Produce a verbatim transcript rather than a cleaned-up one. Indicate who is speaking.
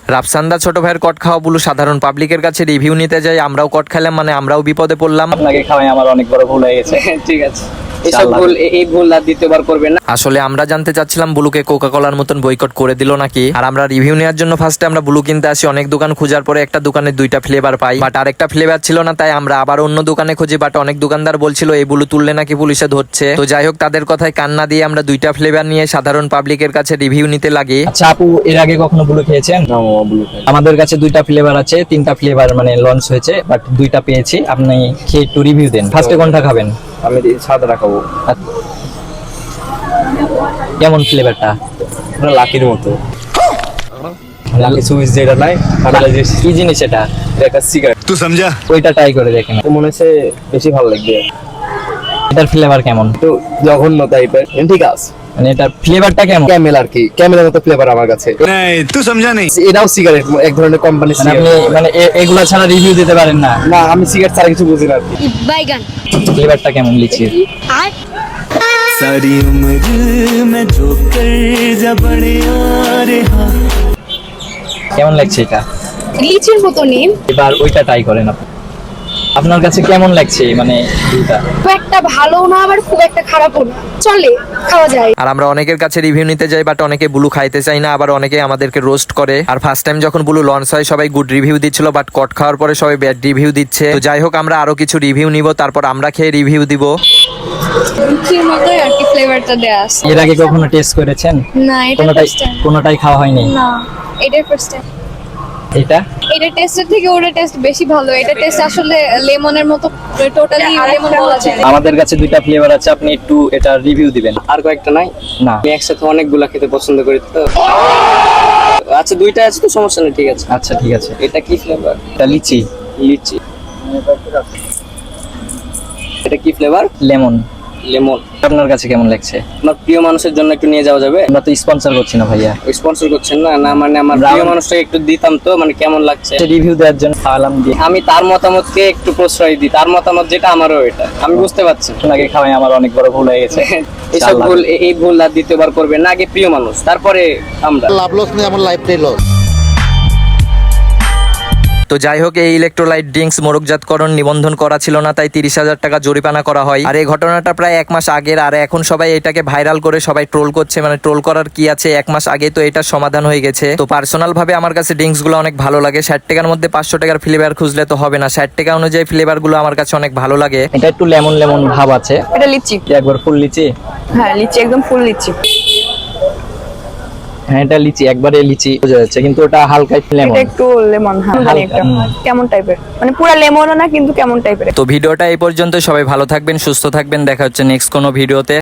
Speaker 1: রাফসান্দা ছোট ভাইয়ের কট খাওয়া বুলু সাধারণ পাবলিকের কাছে রিভিউ নিতে যাই, আমরাও কট খেলাম, মানে আমরাও বিপদে পড়লাম।
Speaker 2: আপনাকে খাওয়াই আমার অনেক বড় ভুল হয়ে গেছে।
Speaker 3: ঠিক আছে, এসব ভুল এই ভুল আর দ্বিতীয়বার করবেন না।
Speaker 1: আসলে আমরা জানতে চাচ্ছিলাম বুলুকে কোকা কোলার মতন বয়কট করে দিল নাকি। আর আমরা রিভিউ নেওয়ার জন্য ফার্স্টে আমরা বুলু কিনতে আসি, অনেক দোকান খোঁজার পরে একটা দোকানে দুইটা ফ্লেভার পাই, বাট আরেকটা ফ্লেভার ছিল না, তাই আমরা আবার অন্য দোকানে খুঁজি, বাট অনেক দোকানদার বলছিল এই বুলু তুললে নাকি পুলিশে ধরছে। তো যাই হোক, তাদের কথায় কান্না দিয়ে আমরা দুইটা ফ্লেভার নিয়ে সাধারণ পাবলিকের কাছে রিভিউ নিতে লাগি।
Speaker 2: আচ্ছা আপু, এর আগে কখনো বুলু খেয়েছেন?
Speaker 3: না মামা, ব্লু খাই।
Speaker 2: আমাদের কাছে দুইটা ফ্লেভার আছে, তিনটা ফ্লেভার মানে লঞ্চ হয়েছে, বাট দুইটা পেয়েছি। আপনি খেয়ে একটু রিভিউ দেন। ফার্স্টে কোনটা খাবেন?
Speaker 3: আমি সাদাটা খাবো।
Speaker 2: কেমন ফ্লেভারটা?
Speaker 3: পুরো লাকির মতো।
Speaker 2: লাকি সুইচ যেটা নাই, কি জিনিস এটা?
Speaker 3: একটা সিগারেট।
Speaker 4: तू समझा?
Speaker 2: ওইটা ট্রাই করে দেখেন।
Speaker 3: তো মনে হচ্ছে বেশি ভালো লাগবে।
Speaker 2: এটার ফ্লেভার কেমন?
Speaker 3: তো জঘন্য টাইপের, ঠিক আছে।
Speaker 2: মানে এটার ফ্লেভারটা কেমন?
Speaker 3: ক্যামেল আর কি, ক্যামেলের মতো ফ্লেভার আমার কাছে।
Speaker 4: नहीं तू समझा नहीं।
Speaker 3: এটাও সিগারেট, এক ধরনের কোম্পানি
Speaker 2: মানে আপনি মানে এ- এগুলা ছাড়া রিভিউ দিতে পারেন না?
Speaker 3: না, আমি সিগারেট ছাড়া কিছু বুঝি না আর কি।
Speaker 5: बैगन
Speaker 2: ফ্লেভারটা কেমন লিচির?
Speaker 5: आठ
Speaker 6: सारी उम्र में जो कर जा बड़े यार हाँ।
Speaker 2: কেমন লাগছে এটা?
Speaker 5: লিচির মতো নেম,
Speaker 2: এবার ওইটা ট্রাই করেন আপনি। আপনার কাছে কেমন লাগছে মানে দুইটা?
Speaker 5: খুব একটা ভালো না আবার খুব একটা খারাপও না, চলে, খাওয়া যায়।
Speaker 1: আর আমরা অনেকের কাছে রিভিউ নিতে যাই, বাট অনেকে বুলু খাইতে চাই না, আবার অনেকে আমাদেরকে রোস্ট করে। আর ফার্স্ট টাইম যখন বুলু লঞ্চ হয় সবাই গুড রিভিউ দিচ্ছিল, বাট কট খাওয়ার পরে সবাই ব্যাড রিভিউ দিচ্ছে। তো যাই হোক, আমরা আরো কিছু রিভিউ নিব, তারপর আমরা খেয়ে রিভিউ দিব।
Speaker 5: লিচির মতোই আর কি ফ্লেভারটা দেয়া আছে।
Speaker 2: এর আগে কখনো টেস্ট করেছেন?
Speaker 5: না, এটা
Speaker 2: কোনোটাই
Speaker 5: ফার্স্ট টাইম।
Speaker 2: কোনোটাই খাওয়া হয়নি?
Speaker 5: না, এটাই ফার্স্ট টাইম।
Speaker 2: এটা
Speaker 5: এটা টেস্টের থেকে ওটা টেস্ট বেশি ভালো। এটা টেস্ট আসলে লেমনের মতো, টোটালি লেমন বলা যায় না।
Speaker 2: আমাদের কাছে দুইটা ফ্লেভার আছে, আপনি একটু এটা রিভিউ দিবেন।
Speaker 3: আর কয়েকটা নাই?
Speaker 2: না।
Speaker 3: আমি একসাথে অনেকগুলা খেতে পছন্দ করি তো। আচ্ছা, দুইটা আছে তো, সমস্যা নেই, ঠিক আছে।
Speaker 2: আচ্ছা ঠিক আছে।
Speaker 3: এটা কি ফ্লেভার?
Speaker 2: এটা লিচি।
Speaker 3: লিচি। এটা কি ফ্লেভার?
Speaker 2: লেমন।
Speaker 3: লেমন।
Speaker 2: আপনার কাছে কেমন লাগছে?
Speaker 3: আমার প্রিয় মানুষের জন্য একটু নিয়ে যাওয়া যাবে?
Speaker 2: আমরা তো স্পন্সর করছি না ভাইয়া।
Speaker 3: স্পন্সর করছেন না? না মানে আমার প্রিয় মানুষটাকে একটু দিতাম তো, মানে কেমন লাগছে।
Speaker 2: রিভিউ দেওয়ার জন্য খাওয়ালাম দিয়ে।
Speaker 3: আমি তার মতামতকে একটু প্রশ্রয় দিই, তার মতামত যেটা আমারও এটা আমি বুঝতে পারছি।
Speaker 2: আপনাকে খাওয়াই আমার অনেক বড় ভুল হয়ে গেছে।
Speaker 3: এসব ভুল এই ভুল আর দ্বিতীয়বার করবেন না। আগে প্রিয় মানুষ, তারপরে আমরা।
Speaker 7: লাভ লস নেই, আমার লাইফটাই লস।
Speaker 1: তো যাই হোক, এই ইলেকট্রোলাইট ড্রিঙ্কস মোড়কজাতকরণ নিবন্ধন করা ছিল না, তাই তিরিশ হাজার টাকা জরিমানা করা হয়। আর এই ঘটনাটা প্রায় এক মাস আগের, আর এখন সবাই এটাকে ভাইরাল করে সবাই ট্রোল করছে। মানে ট্রোল করার কি আছে, এক মাস আগে তো এটা সমাধান হয়ে গেছে। তো পার্সোনাল ভাবে আমার কাছে ড্রিঙ্কস গুলো অনেক ভালো লাগে। ষাট টাকার মধ্যে পাঁচশো টাকার ফ্লেভার খুঁজলে তো হবে না, ষাট টাকা অনুযায়ী ফ্লেভার গুলো আমার কাছে অনেক ভালো লাগে।
Speaker 2: এটা একটু লেমন লেমন ভাব আছে।
Speaker 8: এটা লিচি।
Speaker 2: একবার ফুল লিচি।
Speaker 8: হ্যাঁ, লিচি, একদম ফুল লিচি।
Speaker 2: হ্যাঁ এটা লিচি, একবারে লিচি বোঝা যাচ্ছে, কিন্তু ওটা হালকা লেমন।
Speaker 8: এটা একটু লেমন, হ্যাঁ, জানি একটা কেমন টাইপের, মানে পুরো লেমনও না কিন্তু কেমন টাইপের।
Speaker 1: তো ভিডিওটা এই পর্যন্ত, সবাই ভালো থাকবেন, সুস্থ থাকবেন, দেখা হচ্ছে নেক্সট কোনো ভিডিওতে।